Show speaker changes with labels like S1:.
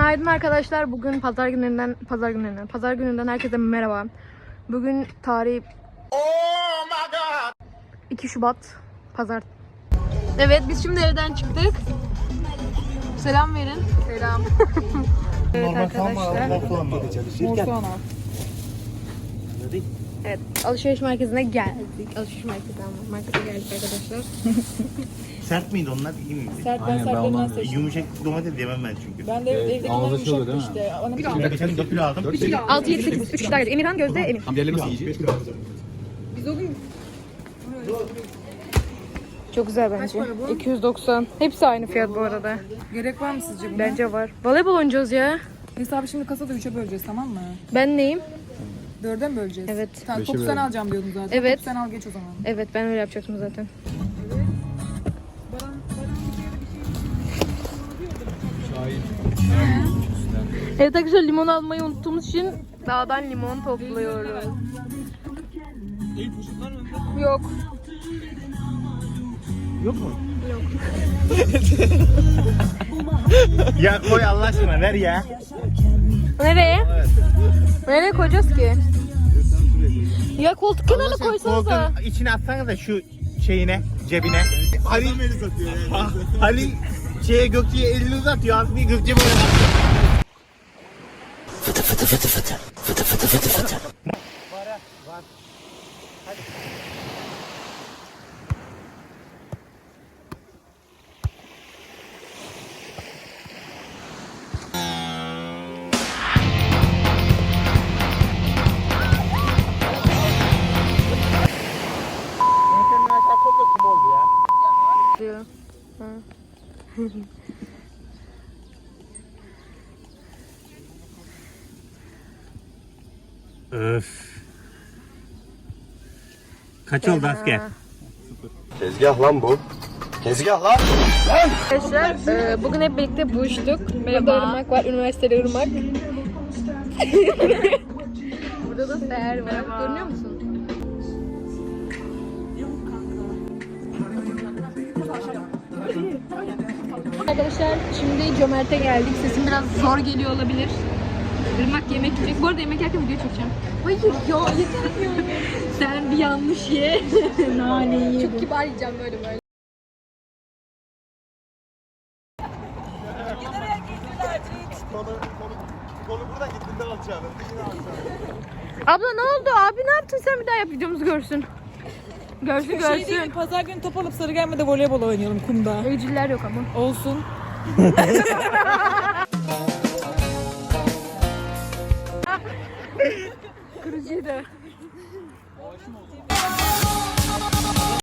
S1: Günaydın arkadaşlar. Bugün pazar gününden herkese merhaba. Bugün tarih 2 Şubat pazar. Evet, biz şimdi evden çıktık. Selam verin. Selam. Evet arkadaşlar. Evet, alışveriş merkezine geldik. Alışveriş markete geldik arkadaşlar.
S2: Sert miydi onlar? İyi miydi?
S3: Sert, ben sertlerinden seçtim.
S2: Yumuşak domates yemem ben çünkü.
S3: Ben de evdekinden yumuşaktı işte. Ona bir
S2: Ben geçen 4 kilo aldım.
S1: 6, 7, 8, 3 kişi daha geldi. Emirhan, Gözde, Emin.
S4: Diğerleri nasıl yiyecek?
S3: Biz o gün
S1: Çok güzel bence. 290. Hepsi aynı fiyat bu arada.
S3: gerek var mı sizce buna?
S1: Bence var. Voleybol oynayacağız ya.
S3: Hesabı şimdi kasada 3'e böleceğiz, tamam mı?
S1: Ben neyim?
S3: 4'e mi böleceğiz?
S1: Evet.
S3: Tamam,
S4: Beşe
S3: topu sen
S4: bölelim.
S3: alacağım diyordun zaten.
S1: Evet.
S3: Topu sen al, geç o zaman.
S1: Evet, ben öyle yapacaktım zaten. Evet arkadaşlar, limon almayı unuttuğumuz için dağdan limon topluyoruz. Yok.
S2: Yok mu? Yok. Ya koy Allah aşkına ver ya.
S1: Nereye? Nereye koyacağız ki? Ya koltuk kenarına koysanıza.
S2: Koltuğun içine atsanız da şu şeyine, cebine. Halil Halil Gökçe'ye elini uzatıyor. Az bir Gökçe böyle. Fıtı fıtı fıtı fıtı. Fıtı fıtı fıtı fıtı. Var. Hadi.
S1: Diyor. Ha.
S2: Öf. Kaç oldu asker?
S4: Tezgah lan bu. Tezgah lan.
S1: Arkadaşlar bugün hep birlikte buluştuk. Burada Irmak var, üniversitede Irmak. Burada da Seher var. Görünüyor musun? Arkadaşlar şimdi Cömert'e geldik. Sesim biraz zor geliyor olabilir. Irmak yemek yiyecek. Bu arada yemek yerken video çekeceğim. Hayır ya, yeter ya. Sen bir yanlış ye. Nane yedim. Çok kibar yiyeceğim böyle.
S4: Kolu buradan gittiğinde alacağım.
S1: Abla ne oldu? Abi ne yaptın sen, bir daha yap, videomuzu görsün. Görsün
S3: Şey
S1: görsün.
S3: değil, pazar günü top alıp Sarıgerme'de voleybol oynayalım kumda.
S1: Evciller yok ama.
S3: Olsun.
S1: Kırıcıydı.